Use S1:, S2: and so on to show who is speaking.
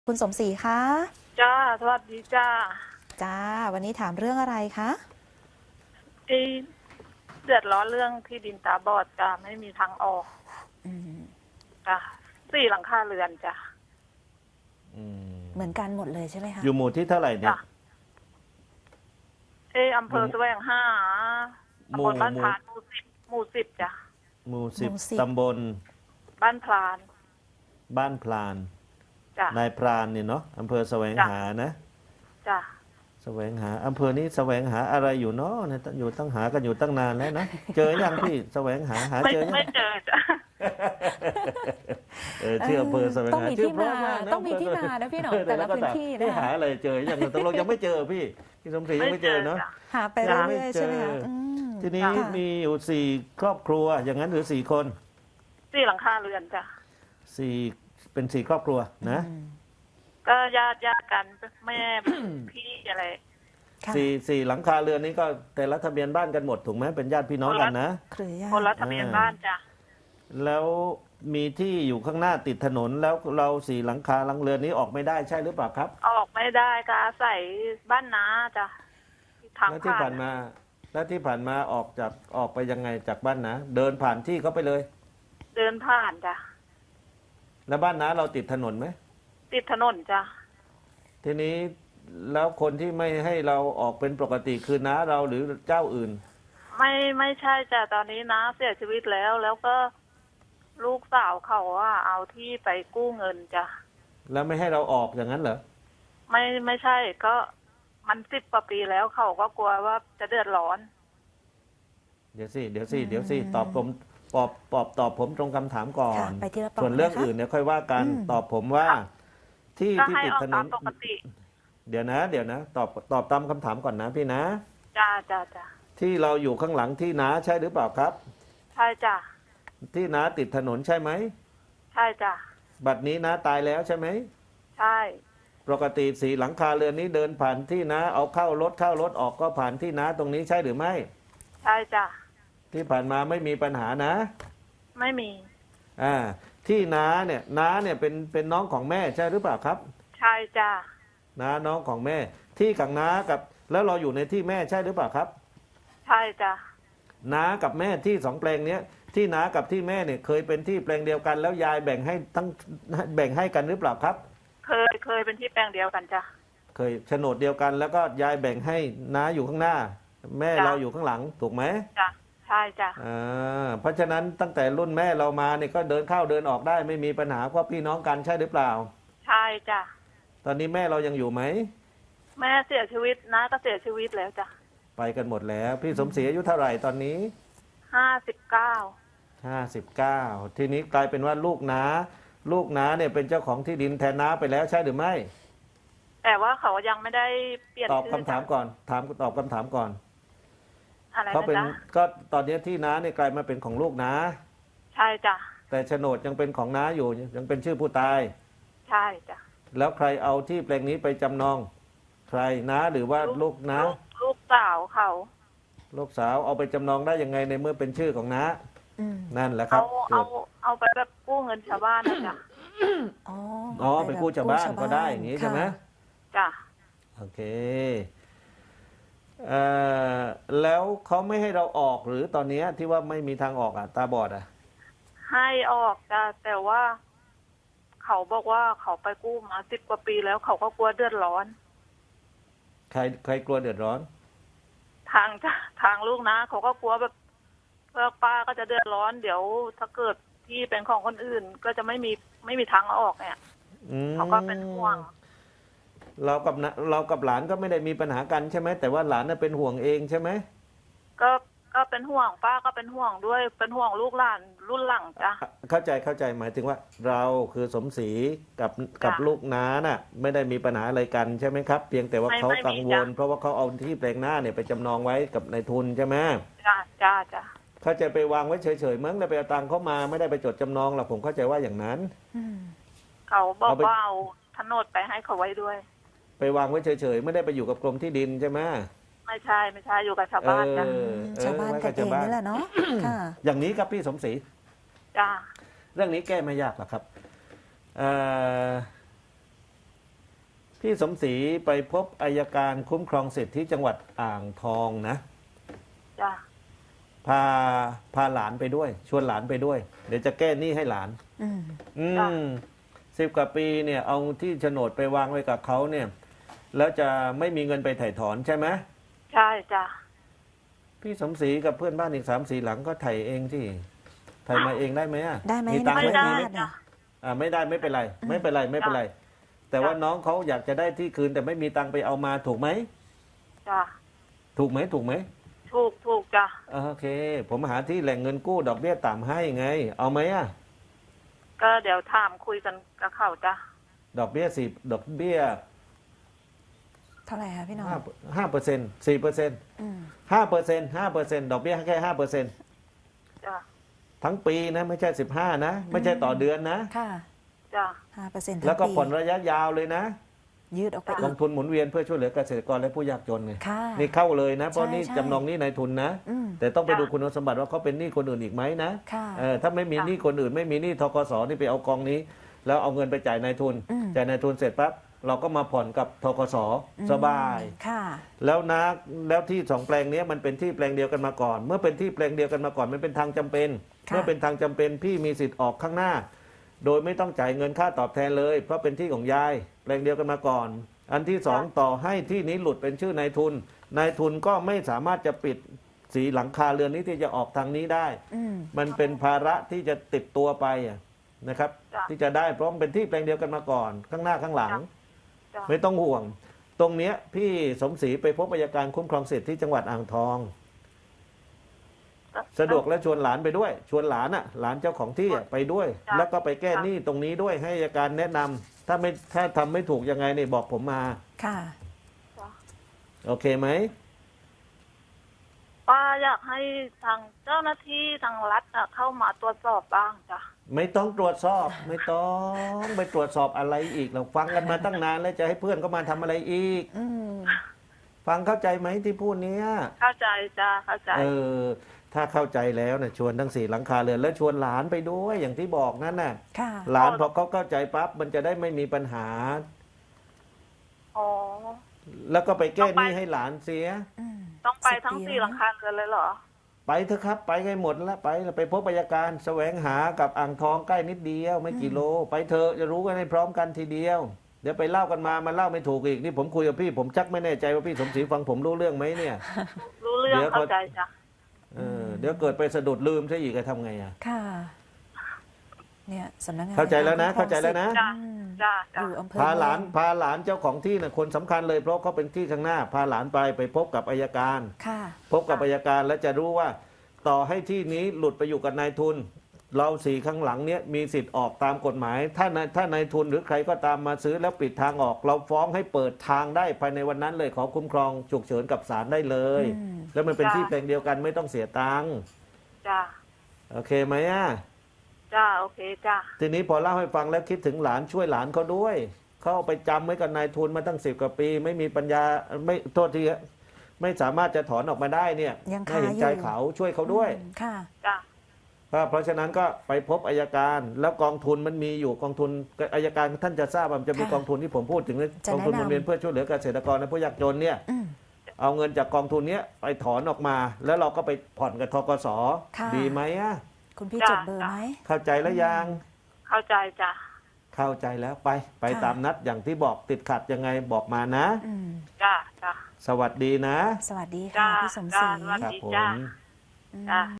S1: คุณสมศรีคะ
S2: จ้าสวัสดีจ้า
S1: จ้าวันนี้ถามเรื่องอะไรคะ
S2: ที่เดือดร้อนเรื่องที่ดินตาบอดจ้าไม่มีทางออก
S1: อืม
S2: จ้า4 หลังคาเรือนจ้า
S3: อืม
S1: เหมือนกันหมดเลยใช่ไหมคะ
S3: อยู่หมู่ที่เท่าไหร่เนี่
S2: จ้า
S3: ย
S2: อำเภอแสวงหา
S3: ห
S2: ตำบ
S3: มู่
S2: ลบ้าน
S3: หมู่
S2: พรานหมู่ 10จ้า
S3: หมู่สิบ
S1: หมู่สิบ
S3: ตำบล
S2: บ้านพราน
S3: บ้านพลาน
S2: จ้าน
S3: ายพรานเนี่ยเนาะอำเภอแสวง
S2: จ้ะ
S3: หานะ
S2: จ้า
S3: แสวงหาอำเภอนี้แสวงหาอะไรอยู่เนาะเนี่ยอยู่ตั้งหากันอยู่ตั้งนานแล้วนะเจอยังพี่แสวงหาเจอยัง
S2: ไม่เจอจ้า
S3: ชื่ออำเภอแสวง
S1: ต้อง
S3: หา
S1: มี
S3: ชื่
S1: ที่
S3: เพระ
S1: มาม
S3: กนะ
S1: ต้องมีที่มานะพี่หนอมแต่ละ
S3: ก็
S1: พื้นที่
S3: พี่
S1: นะ
S3: หาอะไรเจอยังตกลงยังไม่เจอพี่สมศรียังไม่เจอเนาะ
S2: จ้ะ
S1: หาไป
S3: ยังไม่
S1: เรื่อยๆ
S3: เจอ
S1: ใช่ไหมคะ
S3: ทีนี้
S1: ค่ะ
S3: มีอยู่4 ครอบครัวอย่างนั้นหรือ4 คน
S2: 4 หลังคาเรือนจ้า
S3: สี่เป็น4 ครอบครัวนะ
S1: อืม
S2: ก็ญาติกันแม่ พี่อะไร
S1: ค่ะ
S3: สี่หลังคาเรือนนี้ก็แต่ละทะเบียนบ้านกันหมดถูกไหมเป็นญาติพี่น้องกันนะ
S1: เครือญา
S2: คนละ
S1: ติ
S2: ทะเบียนบ้านจ้า
S3: แล้วมีที่อยู่ข้างหน้าติดถนนแล้วเรา4 หลังคาหลังเรือนนี้ออกไม่ได้ใช่หรือเปล่าครับ
S2: ออกไม่ได้ก็อาศัยบ้านน้าจ้าทาง
S3: แล้วที่ผ่านมาแล้วที่ผ่านมาออกไปยังไงจากบ้านนะเดินผ่านที่เขาไปเลย
S2: เดินผ่านจ้า
S3: แล้วบ้านนะเราติดถนนไหม
S2: ติดถนนจ้า
S3: ทีนี้แล้วคนที่ไม่ให้เราออกเป็นปกติคือน้าเราหรือเจ้าอื่น
S2: ไม่ใช่จ้ะตอนนี้น้าเสียชีวิตแล้วก็ลูกสาวเขาว่าเอาที่ไปกู้เงินจ้ะ
S3: แล้วไม่ให้เราออกอย่างนั้นเหรอ
S2: ไม่ใช่ก็มัน10 กว่าปีแล้วเขาก็กลัวว่าจะเดือดร้อน
S3: เดี๋ยวสิตอบผมตอบผมตรงคำถามก่อ
S1: ค่ะ
S3: น
S1: ไปทีละป
S3: ส่วนเรื่อง
S1: นะคะ
S3: อื่นเนี่ยค่อยว่ากัน
S1: อืม
S3: ตอบผมว่าที่
S2: ก็
S3: ที่
S2: ให้
S3: ติด
S2: ออก
S3: ถน
S2: ตาม
S3: น
S2: ปกติ
S3: เดี๋ยวนะตอบตามคำถามก่อนนะพี่นะ
S2: จ้า
S3: ที่เราอยู่ข้างหลังที่นาใช่หรือเปล่าครับ
S2: ใช่จ้ะ
S3: ที่นาติดถนนใช่ไหม
S2: ใช่จ้ะ
S3: บัดนี้นาตายแล้วใช่ไหม
S2: ใช่
S3: ปกติ4 หลังคาเรือนนี้เดินผ่านที่นาเอาเข้ารถออกก็ผ่านที่นาตรงนี้ใช่หรือไม่
S2: ใช่จ้ะ
S3: ที่ผ่านมาไม่มีปัญหานะ
S2: ไม่มี
S3: ที่น้าเนี่ยเป็นน้องของแม่ใช่หรือเปล่าครับ
S2: ใช่จ้ะ
S3: น้าน้องของแม่ ที่กับน้ากับแล้วเราอยู่ในที่แม่ใช่หรือเปล่าครับ
S2: ใช่จ้ะ
S3: น้ากับแม่ที่2 แปลงเนี้ยที่น้ากับที่แม่เนี่ยเคยเป็นที่แปลงเดียวกัน แล้วยายแบ่งให้กันหรือเปล่าครับ
S2: เคยเป็นที่แปลงเดียวกันจ้ะ
S3: เคยโฉนดเดียวกัน แล้วก็ยายแบ่งให้น้าอยู่ข้างหน้า แม่
S2: จ้ะ
S3: เราอยู่ข้างหลังถูกไหม
S2: จ้ะใช่จ้ะ
S3: เพราะฉะนั้นตั้งแต่รุ่นแม่เรามาเนี่ยก็เดินเข้าเดินออกได้ไม่มีปัญหาเพราะพี่น้องกันใช่หรือเปล่า
S2: ใช่จ้ะ
S3: ตอนนี้แม่เรายังอยู่ไหม
S2: แม่เสียชีวิตน้าก็เสียชีวิตแล้วจ้ะ
S3: ไปกันหมดแล้ว พี่สมศรีอายุเท่าไหร่ตอนนี้
S2: 59
S3: 59ทีนี้กลายเป็นว่าลูกน้าเนี่ยเป็นเจ้าของที่ดินแทนน้าไปแล้วใช่หรือไม่
S2: แต่ว่าเขายังไม่ได้เปลี่ยน
S3: ตอบ
S2: ชื่
S3: คำถามก่อนตอบคำถามก่อน
S2: อะไร
S3: เขา
S2: นะ
S3: เป็น
S2: จ๊ะ
S3: ก็ตอนนี้ที่น้าเนี่ยกลายมาเป็นของลูกน้า
S2: ใช่จ้ะ
S3: แต่โฉนดยังเป็นของน้าอยู่ยังเป็นชื่อผู้ตาย
S2: ใช่จ้ะ
S3: แล้วใครเอาที่แปลงนี้ไปจำนอง ใครน้าหรือว่าลูกน้า
S2: ลูกสาวเขา
S3: ลูกสาวเอาไปจำนองได้ยังไงในเมื่อเป็นชื่อของน้า
S1: อืม
S3: นั่นแหละครับ
S2: เอาไปแบบกู้เงินชาวบ้านนะจ้ะ
S1: อ๋อ
S3: ไปกู้ชาวบ้านก็ได้อย่างนี้ใช่ไหม
S1: ค่ะ
S2: จ้ะ
S3: โอเคแล้วเขาไม่ให้เราออกหรือตอนนี้ที่ว่าไม่มีทางออกตาบอด
S2: ให้ออกจ้ะแต่ว่า เขาบอกว่าเขาไปกู้มา10 กว่าปีแล้วเขาก็กลัวเดือดร้อน
S3: ใครกลัวเดือดร้อน
S2: ทางลูกนะเขาก็กลัวแบบเพื่อป้าก็จะเดือดร้อน เดี๋ยวถ้าเกิดที่เป็นของคนอื่น ก็จะไม่มีทางออกเนี่ย เขาก็เป็นห่วง
S3: เรากับหลานก็ไม่ได้มีปัญหากันใช่ไหมแต่ว่าหลานน่ะเป็นห่วงเองใช่ไหม
S2: ก็เป็นห่วงป้าก็เป็นห่วงด้วยเป็นห่วงลูกหลานรุ่นหลังจ้ะ
S3: เข้าใจหมายถึงว่าเราคือสมศรีกับ
S2: จ้ะ
S3: ลูกน้าน่ะไม่ได้มีปัญหาอะไรกันใช่ไหมครับ เพียงแต่ว่า
S2: ไม่
S3: เขา
S2: ไม่มี
S3: กังวล
S2: จ้ะ
S3: เพราะว่าเขาเอาที่แปลงหน้าเนี่ยไปจำนองไว้กับนายทุนใช่ไหม
S2: จ้ะ
S3: เขาจะไปวางไว้เฉยๆมั้งแล้วไปเอาตังค์เขามาไม่ได้ไปจดจำนองหรอกผมเข้าใจว่าอย่างนั้น
S1: อืม
S2: เขาบอก
S3: เอาไป
S2: ว่าเอาโฉนดไปให้เขาไว้ด้วย
S3: ไปวางไว้เฉยๆไม่ได้ไปอยู่กับกรมที่ดินใช่ไหม
S2: ไม่ใช่อยู่กับชาวบ้านจ้ะ
S1: ชาวบ้านกันเองนี่แหละเนาะค่ะ
S3: อย่างนี้ครับพี่สมศรี
S2: จ้ะ
S3: เรื่องนี้แก้ไม่ยากหรอกครับพี่สมศรีไปพบอัยการคุ้มครองสิทธิที่จังหวัดอ่างทองนะ
S2: จ้ะ
S3: พาหลานไปด้วย ชวนหลานไปด้วย เดี๋ยวจะแก้หนี้ให้หลาน
S1: อืม
S2: จ้ะ
S3: 10 กว่าปีเนี่ยเอาที่โฉนดไปวางไว้กับเขาเนี่ย แล้วจะไม่มีเงินไปถ่ายถอนใช่ไหม
S2: ใช่จ้ะ
S3: พี่สมศรีกับเพื่อนบ้านอีก3-4 หลังก็ถ่ายเองที่ถ่ายมาเองได้ไหมอะ
S1: ได้ไหม
S3: มีตังค์
S2: ไม่
S3: ไหม
S2: ได้
S3: มีไหม
S2: จ้ะ
S3: ไม่ได้ไม่เป็นไรไม่เป็นไรไม่เป็นไร แต่ว่าน้องเขาอยากจะได้ที่คืนแต่ไม่มีตังค์ไปเอามาถูกไหม
S2: จ้ะ
S3: ถูกไหมถูกไหม
S2: ถูกจ้ะ
S3: โอเค ผมหาที่แหล่งเงินกู้ดอกเบี้ยต่ำให้ไง เอาไหมอะ
S2: ก็เดี๋ยวถามคุยกันกับเขาจ้ะ
S3: ดอกเบี้ยดอกเบี้ย
S1: เท่าไหร่คะพี่น้อง
S3: 5% 4%
S1: อืม
S3: 5%ดอกเบี้ยแค่5%
S2: จ้ะ
S3: ทั้งปีนะไม่ใช่15นะไม่ใช่ต่อเดือนนะ
S1: ค่ะ
S2: จ้ะ
S1: 5%
S3: แล้วก็ผ่อนระยะยาวเลยนะ
S1: ยืดออกไป
S3: ก
S1: อี
S3: อง
S1: ก
S3: ทุนหมุนเวียนเพื่อช่วยเหลือเกษตรกรและผู้ยากจนไง
S1: ค่ะ
S3: นี่เข้าเลยนะเพราะ
S1: ใช่
S3: นี่
S1: ใช่
S3: จำนองหนี้นายทุนนะ
S1: อืม
S3: แต่ต้องไปดูคุณสมบัติว่าเขาเป็นหนี้คนอื่นอีกไหมนะ
S1: ค่ะ
S3: ถ้าไม่มีหนี้คนอื่นไม่มีหนี้ธกสนี่ไปเอากองนี้ แล้วเอาเงินไปจ่ายนายทุน
S1: อืม
S3: จ่ายนายทุนเสร็จปั๊บเราก็มาผ่อนกับธกสสบาย
S1: ค่ะ
S3: แล้วที่2 แปลงนี้มันเป็นที่แปลงเดียวกันมาก่อน เมื่อเป็นที่แปลงเดียวกันมาก่อนมันเป็นทางจำเป็น
S1: ค่ะ
S3: เมื่อเป็นทางจำเป็นพี่มีสิทธิ์ออกข้างหน้า โดยไม่ต้องจ่ายเงินค่าตอบแทนเลย เพราะเป็นที่ของยายแปลงเดียวกันมาก่อน อันที่2ต่อให้ที่นี้หลุดเป็นชื่อนายทุนนายทุนก็ไม่สามารถจะปิดสีหลังคาเรือนนี้ที่จะออกทางนี้ได้
S1: อืม
S3: มันเป็นภาระที่จะติดตัวไปนะครับ
S2: จ้ะ
S3: ที่จะได้เพราะมันเป็นที่แปลงเดียวกันมาก่อน ข้างหน้าข้างหลัง
S2: จ้ะ
S3: ไม่ต้องห่วง ตรงเนี้ยพี่สมศรีไปพบอัยการคุ้มครองสิทธิที่จังหวัดอ่างทอง สะดวกและชวนหลานไปด้วย ชวนหลานหลานเจ้าของที่ไปด้วย
S2: จ้ะ
S3: แล้วก็ไปแก้หนี้ตรงนี้ด้วยให้อัยการแนะนำถ้าทำไม่ถูกยังไงเนี่ยบอกผมมา
S1: ค่ะ
S2: จ้ะ
S3: โอเคไหม
S2: ป้าอยากให้ทางเจ้าหน้าที่ทางรัฐเข้ามาตรวจสอบบ้างจ้ะ
S3: ไม่ต้องตรวจสอบไม่ต้องไปตรวจสอบอะไรอีกเราฟังกันมาตั้งนานแล้วจะให้เพื่อนก็มาทำอะไรอีก
S1: อืม
S3: ฟังเข้าใจไหมที่พูดเนี้ย
S2: เข้าใจจ้ะเข้าใจ
S3: ถ้าเข้าใจแล้วนะชวนทั้ง4 หลังคาเรือนแล้วชวนหลานไปด้วยอย่างที่บอกนั่นน่ะ
S1: ค่ะ
S3: หลานพอเขาเข้าใจปั๊บมันจะได้ไม่มีปัญหา
S2: อ๋อ
S3: แล้วก็ไปแก้หนี้ให้หลานเสีย
S1: อืม
S2: ต้องไปทั้ง
S1: 10 ปี
S2: 4 หลังคาเรือนเลยเหรอ
S3: ไปเถอะครับไปให้หมดแล้วไปพบอัยการแสวงหากับอ่างทองใกล้นิดเดียวไม่กี่โล ไปเถอะจะรู้กันให้พร้อมกันทีเดียว เดี๋ยวไปเล่ากันมามันเล่าไม่ถูกอีกนี่ผมคุยกับพี่ผมชักไม่แน่ใจว่าพี่สมศรีฟังผมรู้เรื่องไหมเนี่ย
S2: รู้เรื่อง
S3: เดี๋ยว
S2: เข้าใจจ้ะ
S3: เดี๋ยวเกิดไปสะดุดลืมซะอีกจะทำไงอ่ะ
S1: ค่ะ เนี่ยสำนักงาน
S3: เข้าใจแล้วนะ
S1: คุ้มครอง
S3: เข้าใจแล้วนะ
S1: สิทธิ์
S2: จ้ะ
S1: อืม
S2: จ้ะ
S1: อ
S2: จ้ะ
S1: ยู่อำเภอ
S3: พาหลาน
S1: เมือง
S3: พาหลานเจ้าของที่นะคนสำคัญเลยเพราะเขาเป็นที่ข้างหน้า พาหลานไปพบกับอัยการ
S1: ค่ะ
S3: พบกับอัยการแล้วจะรู้ว่า ต่อให้ที่นี้หลุดไปอยู่กับนายทุน เรา4 ข้างหลังเนี้ยมีสิทธิ์ออกตามกฎหมาย ถ้านายทุนหรือใครก็ตามมาซื้อแล้วปิดทางออก เราฟ้องให้เปิดทางได้ภายในวันนั้นเลยขอคุ้มครองฉุกเฉินกับศาลได้เลย
S1: อืม
S3: แล้วมันเป็นที่แปลงเดียวกันไม่ต้องเสียตังค์
S2: จ้ะ
S3: โอเคไหมอ่ะ
S2: จ้ะโอเคจ้ะ
S3: ทีนี้พอเล่าให้ฟังแล้วคิดถึงหลานช่วยหลานเขาด้วยเขาเอาไปจำไว้กับนายทุนมาตั้ง10 กว่าปี ไม่มีปัญญาไม่โทษทีไม่สามารถจะถอนออกมาได้เนี่ย
S1: ยัง
S3: ให้
S1: คา
S3: เห็นใจ
S1: อยู่
S3: เขาช่วยเขาด้วย
S1: อืมค่ะ
S2: จ้ะ
S3: เพราะฉะนั้นก็ไปพบอัยการแล้วกองทุนมันมีอยู่กองทุนอัยการท่านจะทราบว่ามันจะมี
S1: ค่ะ
S3: กองทุนที่ผมพูดถึงนะ
S1: จะ
S3: กองทุนห
S1: แนะนำ
S3: หมุนเวียนเพื่อช่วยเหลือเกษตรกรและผู้ยากจนเนี่ย
S1: อืม
S3: เอาเงินจากกองทุนเนี้ยไปถอนออกมา แล้วเราก็ไปผ่อนกับธกส
S1: ค่ะ
S3: ดีไหมอ่ะ
S1: คุณพี่จดเบอร์ไหม
S3: เข้าใจแล้วยัง
S2: เข้าใจจ้ะ
S3: เข้าใจแล้วไป
S1: ค่ะ
S3: ตามนัดอย่างที่บอกติดขัดยังไงบอกมานะ
S1: อืม
S2: จ้ะจ้ะ
S3: สวัสดีนะ
S1: สวัสดี
S2: จ้ะ
S1: ค่ะพี่สมศรี
S2: จ้ะสวัส
S3: ครับ
S2: ดี
S3: ผ
S2: จ้ะ
S3: ม
S1: อืม
S2: จ้ะ